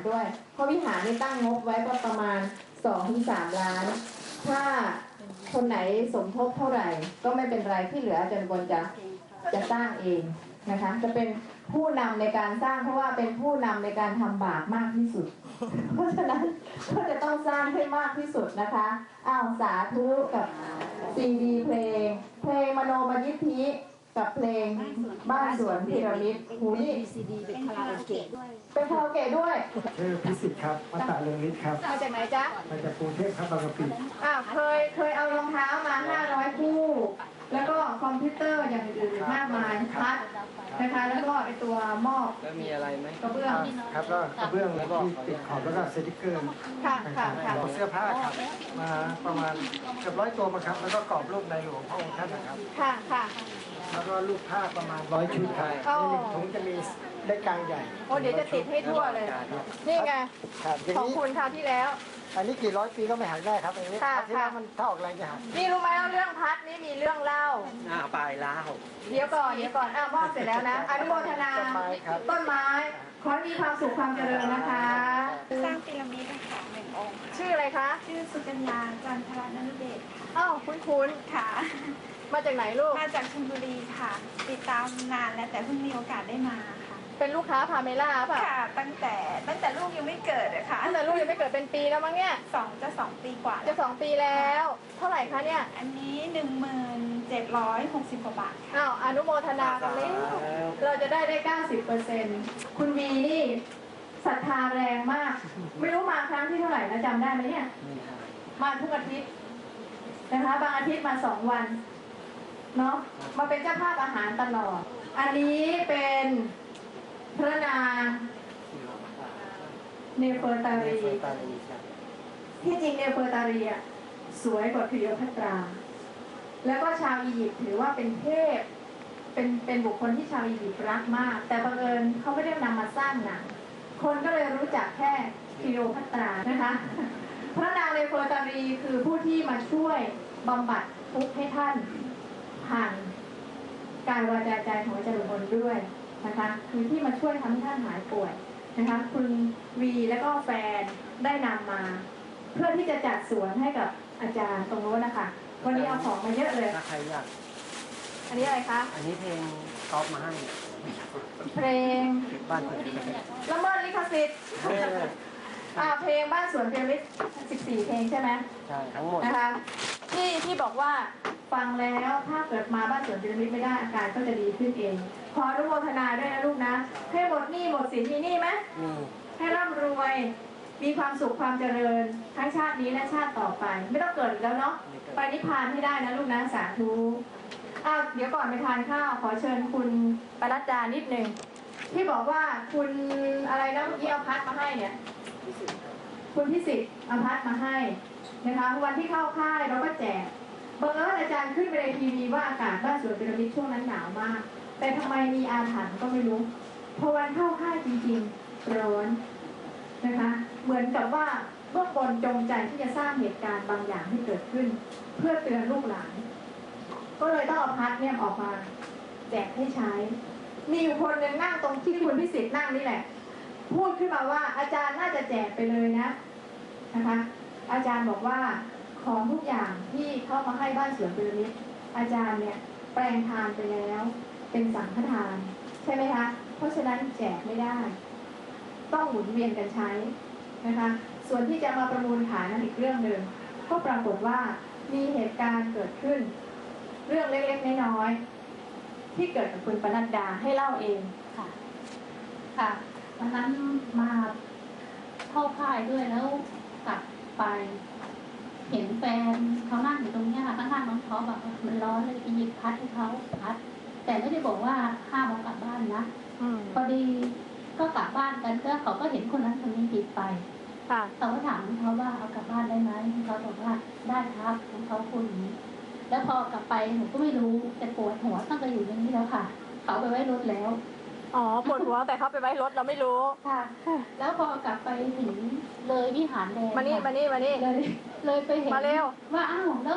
ด้วยเพราะวิหารนี่ตั้งงบไว้ก็ประมาณ 2-3 ล้าน ถ้าคนไหนสมทบเท่าไหร่ก็ไม่เป็นไรที่เหลืออาจารย์บนจะสร้างเองนะคะจะเป็นผู้นำในการสร้างเพราะว่าเป็นผู้นำในการทำบาปมากที่สุด เพราะฉะนั้นก็จะต้องสร้างให้มากที่สุดนะคะอ้าวสาธุกับซีดีเพลงมโนมยิทธิกับเพลงบ้านสวนพีระมิดหูนี่ซีดีเป็นคาราโอเกะด้วยเป็นคาราโอเกะด้วยชื่อพิสิทธิ์ครับมาตาเรืองฤทธิ์ครับมาจากไหนจ๊ะมาจากกรุงเทพครับบางกะปิเคยเอารองเท้ามา500คู่แล้วก็คอมพิวเตอร์อย่างอื่นมากมายพัดนะคะแล้วก็ไอตัวหม้อแล้วมีอะไรไหมกระเบื้องครับก็กระเบื้องที่ติดขอบแล้วก็สติกเกอร์ค่ะเสื้อผ้าครับมาประมาณเกือบ100 ตัวมาครับแล้วก็กรอบรูปในหลวงพระองค์ท่านนะครับค่ะแล้วก็รูปภาพประมาณ100 ชุดครับใน1 ถุงจะมีเล็กกลางใหญ่โอ้เดี๋ยวจะติดให้ทั่วเลยนี่ไงของคุณคราวที่แล้วอันนี้กี่100 ปีก็ไม่หายได้ครับอันนี้ที่แล้วมันถ้าออกแรงจะหักนี่รู้ไหมว่าเรื่องพัดนี่มีเรื่องเล่าปลายเล่าเดี๋ยวก่อนมอบเสร็จแล้วนะอนุโมทนาต้นไม้ขอมีความสุขความเจริญนะคะสร้างพีระมิดค่ะ1 องค์ชื่ออะไรคะชื่อสุกัญญาจันทรนฤเบศอ้าวคุ้นค่ะมาจากไหนลูกมาจากชลบุรีค่ะติดตามนานแล้วแต่เพิ่งมีโอกาสได้มาค่ะเป็นลูกค้าพาเมล่าป่ะค่ะตั้งแต่ลูกยังไม่เกิดอะค่ะตั้งแต่ลูกยังไม่เกิดเป็นปีแล้วมั้งเนี่ย 2 ปีกว่าจะ2 ปีแล้วเท่าไหร่คะเนี่ยอันนี้1760 กว่าบาทอ้าวอนุโมทนากันเลยเราจะได้ 90%คุณวีนี่ศรัทธาแรงมากไม่รู้มาครั้งที่เท่าไหร่นะจำได้ไหมเนี่ยมาทุกอาทิตย์นะคะบางอาทิตย์มา2 วันเนาะมาเป็นเจ้าภาพอาหารตลอดอันนี้เป็นพระนางเนเฟอร์ตารีที่จริงเนเฟอร์ตารีสวยกว่าคลีโอพัตรา แล้วก็ชาวอียิปต์ถือว่าเป็นเทพเป็นบุคคลที่ชาวอียิปต์รักมากแต่บังเอิญเขาไม่ได้นำมาสร้างหนังคนก็เลยรู้จักแค่คลีโอพัตรานะคะพระนางเนเฟอร์ตารีคือผู้ที่มาช่วยบำบัดทุกข์ให้ท่านผ่านกายวาจาใจของอาจารย์อุบลด้วยนะคะคือที่มาช่วยทำให้ท่านหายป่วยนะคะคุณวีและก็แฟนได้นำมาเพื่อที่จะจัดสวนให้กับอาจารย์ตรงโน้นนะคะวันนี้เอาของมาเยอะเลยถ้าใครอยากอันนี้อะไรคะอันนี้เพลงก๊อปมาให้เพลงบ้านสวนละเมิดลิขสิทธิ์เพลงบ้านสวนพีระมิด14 เพลงใช่ไหมใช่ทั้งหมดนะคะที่บอกว่าฟังแล้วถ้าเกิดมาบ้านสวนพีระมิดไม่ได้อาการก็จะดีขึ้นเองขออนุโมทนาด้วยนะลูกนะให้หมดหนี้หมดสินมีหนี้ไหมให้ร่ำรวยมีความสุขความเจริญทั้งชาตินี้และชาติต่อไปไม่ต้องเกิดอีกแล้วเนาะไปนิพพานให้ได้นะลูกนะสาธุเดี๋ยวก่อนไปทานข้าวขอเชิญคุณปรัตดานิดนึงที่บอกว่าคุณอะไรนะเมื่อกี้เอาพัดมาให้เนี่ยคุณพิสิทธิ์เอาพัดมาให้นะคะวันที่เข้าค่ายเราก็แจกบังเอิญอาจารย์ขึ้นไปในทีวีว่าอากาศบ้านสวนพีระมิดช่วงนั้นหนาวมากแต่ทำไมมีอาถรรพ์ก็ไม่รู้พอวันเข้าค่ายจริงๆร้อนนะคะเหมือนกับว่าเบื้องบนจงใจที่จะสร้างเหตุการณ์บางอย่างให้เกิดขึ้นเพื่อเตือนลูกหลานก็เลยต้องเอาพัดเนี่ยออกมาแจกให้ใช้มีอยู่คนหนึ่งนั่งตรงที่คุณพิสิทธิ์นั่งนี่แหละพูดขึ้นมาว่าอาจารย์น่าจะแจกไปเลยนะคะอาจารย์บอกว่าของทุกอย่างที่เข้ามาให้บ้านสวนพีระมิดอาจารย์เนี่ยแปลงทานไปแล้วเป็นสังฆทานใช่ไหมคะเพราะฉะนั้นแจกไม่ได้ต้องหมุนเวียนกันใช้นะคะส่วนที่จะมาประมูลขายนั้นอีกเรื่องหนึ่งก็ปรากฏว่ามีเหตุการณ์เกิดขึ้นเรื่องเล็กๆน้อยๆที่เกิดกับคุณปนัดดาให้เล่าเองค่ะวันนั้นมาเข้าค่ายด้วยแล้วกลับไปเห็นแฟนเขานั่งอยู่ตรงนี้ค่ะข้างๆน้องเขาแบบมันร้อนเลยไปหยิบพัดให้เขาพัดแต่ไม่ได้บอกว่าห้ามเอากลับบ้านนะพอดีก็กลับบ้านกันก็เขาก็เห็นคนนั้นคนนี้หยิบไปเขาก็ถามเขาว่าเอากลับบ้านได้ไหมเขาบอกว่าได้ครับเขาพูดอย่างนี้แล้วพอกลับไปหนูก็ไม่รู้แต่ปวดหัวตั้งแต่อยู่อย่างนี้แล้วค่ะเขาไปไว้รถแล้วปวดหัวแต่เขาไปไว้รถเราไม่รู้ค่ะแล้วพอกลับไปถึงเลยวิหารแดงมานี่เลยไปเห็นว่าอ้าวแล้ว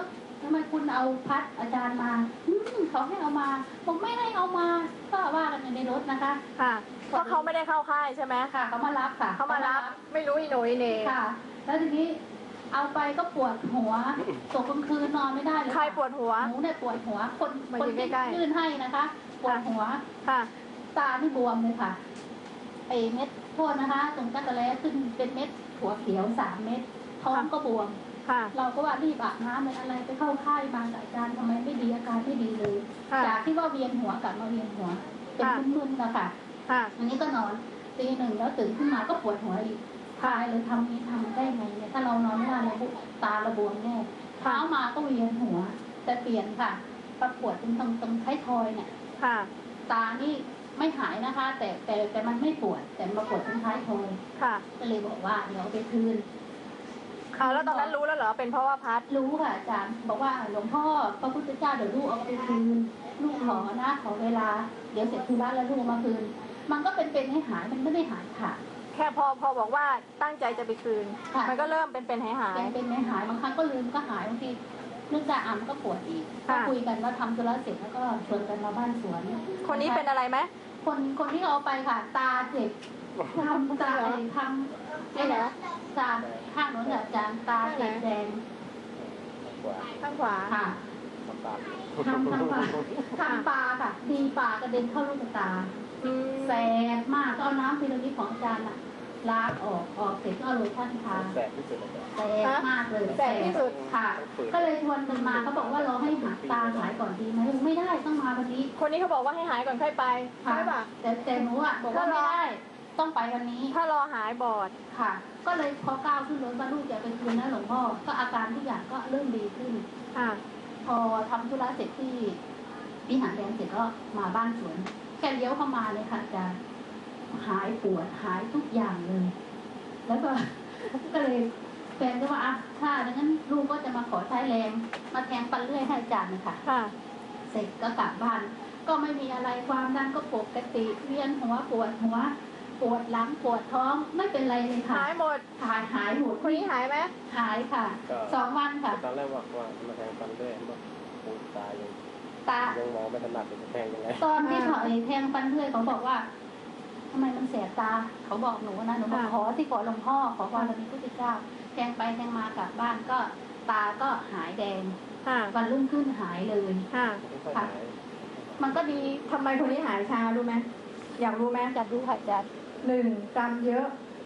ทำไมคุณเอาพัดอาจารย์มาเขาให้เอามาผมไม่ให้เอามาก็ว่ากันในรถนะคะค่ะเพราะเขาไม่ได้เข้าค่ายใช่ไหมค่ะเขามารับค่ะเขามารับไม่รู้อีโหนอีเหน่ค่ะ แล้วทีนี้เอาไปก็ปวดหัวตกกลางคืนนอนไม่ได้เลยใครปวดหัวหนูเนี่ยปวดหัวคนมาคนอยู่ที่ใกล้ๆยื่นให้นะคะปวดหัวค่ะตาที่บวมเลยค่ะไอเม็ดโทษนะคะ ตรงจักรแล้ขึ้นเป็นเม็ดหัวเขียว3 เม็ดท้องก็บวมค่ะเราก็ว่ารีบอาบน้ำเลยอะไรไปเข้าค่ายมากับอาจารย์ทำไมไม่ดีอาการไม่ดีเลยค่ะจากที่ว่าเวียนหัวกลับมาเวียนหัว เป็นค่ะมึนๆนะคะค่ะอันนี้ก็นอนตี 1แล้วตื่นขึ้นมาก็ปวดหัวอีกทายเลยทำนี้ทำได้ไงเนี่ยถ้าเรานอนไม่ได้เราตาระบวมแน่เช้ามาก็เวียนหัว แต่เปลี่ยนค่ะประปวดตรงท้ายทอยเนี่ยค่ะตานี่ไม่หายนะคะ แต่มันไม่ปวด แต่มาปวดตรงท้ายทอยค่ะก็เลยบอกว่าเดี๋ยวเอาไปคืนเอาแล้วตอนนั้นรู้แล้วเหรอเป็นเพราะว่าพัดรู้ค่ะอาจารย์บอกว่าหลวงพ่อพระพุทธเจ้าเดี๋ยวลูกเอาไปคืนลูกขอนะขอเวลาเดี๋ยวเสร็จธุระแล้วลูกเอามาคืน มันก็เป็นให้หายมันไม่ได้หายค่ะแค่พอบอกว่าตั้งใจจะไปคืนค่ะมันก็เริ่มเป็นหายเป็นให้หายบางครั้งก็ลืมก็หายบางทีนึกจะอ่านก็ปวดอีกก็ค่ะคุยกันว่าทำธุระเสร็จแล้วก็ชวนกันมาบ้านสวนคนนี้เป็นอะไรไหมคนที่เอาไปค่ะ ตาเจ็บทำตาทำนี่แหละตาข้างโน้นอาจารย์ตาเจ็บแดงข้างขวาค่ะทำปลาค่ะ ดีปลากระเด็นเข้าลูกตาอืมแสบมากก็เอาน้ำพีระมิดของอาจารย์อะล้างออกเสร็จก็เอาโลชั่นทาแสบที่สุดเลยแสบมากเลยแสบที่สุดค่ะ ก็เลยชวนกันมาเขาบอกว่าเราให้หาตาหายก่อนดีไหมไม่ได้ต้องมาวันนี้คนนี้เขาบอกว่าให้หายก่อนค่อยไปค่ะใช่ป่ะแต่หนูอ่ะบอกว่าไม่ได้ต้องไปวันนี้ถ้ารอหายบอดค่ะ ก็เลยพอก้าวขึ้นรถว่าลูกจะไปคืนนะหลวงพ่อก็อาการทุกอย่างก็เริ่มดีขึ้นค่ะพอทำธุระเสร็จที่วิหารแดงเสร็จก็มาบ้านสวนแค่เลี้ยวเข้ามาเลยค่ะอาจารย์หายปวดหายทุกอย่างเลย แล้วก็ ก็เลยแฟนก็ว่าอ่ะถ้าดังนั้นลูกก็จะมาขอใช้แรงมาแทงปันเลื่อยให้อาจารย์นะคะค่ะเสร็จก็กลับบ้าน ก็ไม่มีอะไรความดันก็ปกติเวียนหัวปวดหัว ปวดหลังปวดท้องไม่เป็นไรเลยค่ะหายหมดหายหมดคนนี้หายไหมหายค่ะ2 วันค่ะตอนแรกบอกว่ามาแทงฟันด้วยบอกปูตายังตายังมองไม่ถนัดจะแทงยังไงตอนที่เขาแทงฟันเลื่อยเขาบอกว่าทำไมมันแสบตา เขาบอกหนูนะหนูบอกขอที่ขอหลวงพ่อขอพรมีพุทธเจ้าแทงไปแทงมากลับบ้านก็ตาก็หายแดงค่ะวันรุ่งขึ้นหายเลยค่ะไม่ค่อยหายมันก็ดีทำไมคนนี้หายช้ารู้ไหมอยากรู้ไหมจัดดูค่ะจัด 1 กรรมเยอะ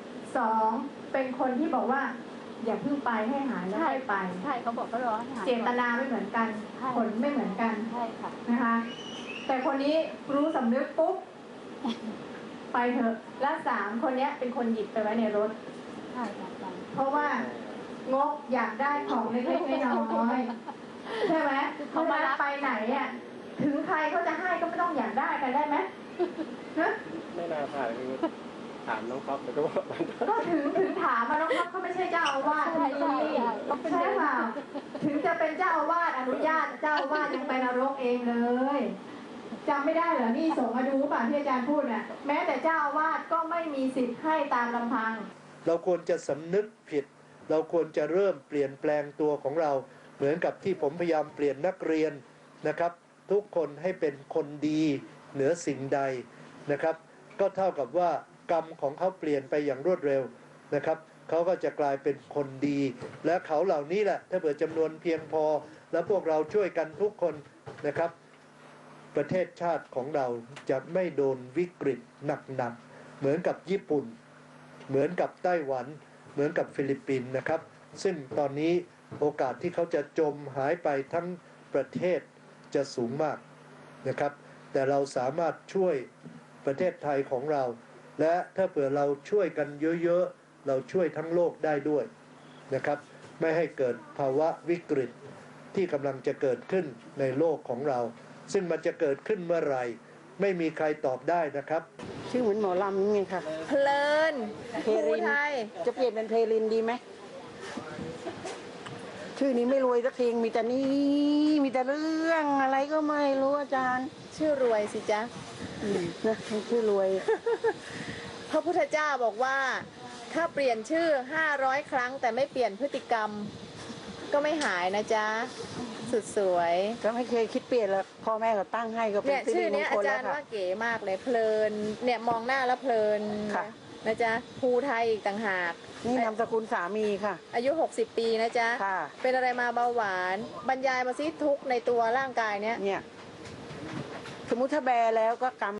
2 เป็นคนที่บอกว่า อย่าเพิ่งไปให้หายแล้วค่อยไปใช่เขาบอกก็รอให้หายเจตนาไม่เหมือนกันใช่ผลไม่เหมือนกันใช่ค่ะนะคะ แต่คนนี้รู้สำนึกปุ๊บ ไปเถอะ และ3 คนเนี้ยเป็นคนหยิบไปไว้ในรถใช่ค่ะอาจารย์เพราะว่างกอยากได้ของเล็กๆน้อยๆใช่ไหมเขามาไปไหนอ่ะถึงใครเขาจะให้ก็ไม่ต้องอยากได้กันได้ไหมฮะไม่น่าพลาดคือถามน้องก๊อฟแล้วก็บอกมันก็ถึงถามมาน้องครับเขาไม่ใช่เจ้าอาวาสที่นี่ใช่เปล่าถึงจะเป็นเจ้าอาวาสอนุญาตเจ้าอาวาสยังไปนรกเองเลยจำไม่ได้เหรอนี่ส่งมาดูป่ะที่อาจารย์พูดน่ะแม้แต่เจ้าอาวาสก็ไม่มีสิทธิ์ให้ตามลำพังเราควรจะสำนึกผิด เราควรจะเริ่มเปลี่ยนแปลงตัวของเรา เหมือนกับที่ผมพยายามเปลี่ยนนักเรียนนะครับ ทุกคนให้เป็นคนดีเหนือสิ่งใดนะครับ ก็เท่ากับว่ากรรมของเขาเปลี่ยนไปอย่างรวดเร็วนะครับเขาก็จะกลายเป็นคนดี และเขาเหล่านี้แหละถ้าเผื่อจำนวนเพียงพอ แล้วพวกเราช่วยกันทุกคนนะครับ ประเทศชาติของเราจะไม่โดนวิกฤตหนักๆเหมือนกับญี่ปุ่น เหมือนกับไต้หวัน เหมือนกับฟิลิปปินส์นะครับ ซึ่งตอนนี้โอกาสที่เขาจะจมหายไปทั้งประเทศจะสูงมากนะครับ แต่เราสามารถช่วยประเทศไทยของเรา และถ้าเผื่อเราช่วยกันเยอะๆเราช่วยทั้งโลกได้ด้วยนะครับ ไม่ให้เกิดภาวะวิกฤตที่กำลังจะเกิดขึ้นในโลกของเรา ซึ่งมันจะเกิดขึ้นเมื่อไหร่ไม่มีใครตอบได้นะครับชื่อเหมือนหมอลำนี่ไงค่ะเพลินภูไทยจะเปลี่ยนเป็นเพลลินดีไหม ชื่อนี้ไม่รวยสักทีมีแต่นี่มีแต่เรื่องอะไรก็ไม่รู้อาจารย์ชื่อรวยสิจ๊ะนะชื่อรวยพระพุทธเจ้าบอกว่า ถ้าเปลี่ยนชื่อ500 ครั้งแต่ไม่เปลี่ยนพฤติกรรม ก็ไม่หายนะจ๊ะสุดสวยก็ไม่เคยคิดเปลี่ยนแล้วพ่อแม่เขาตั้งให้ก็เป็เนี่นยสิชื่ริอมเนี้งยคอาลจาแล้รวย์ค่ะว่าเก๋มากเลยเพลินเนี่ยมองหน้าแล้วเพลินค่ะนะจ๊ะภูไทยอีกต่างหากนี่นามสกุลสามีค่ะอายุ 60 ปีนะจ๊ะค่ะเป็นอะไรมาเบาหวาน บรรยายมาซิทุกข์ในตัวร่างกายเนี้ยเนี่ย สมมุติถ้าแบแล้วก็กำ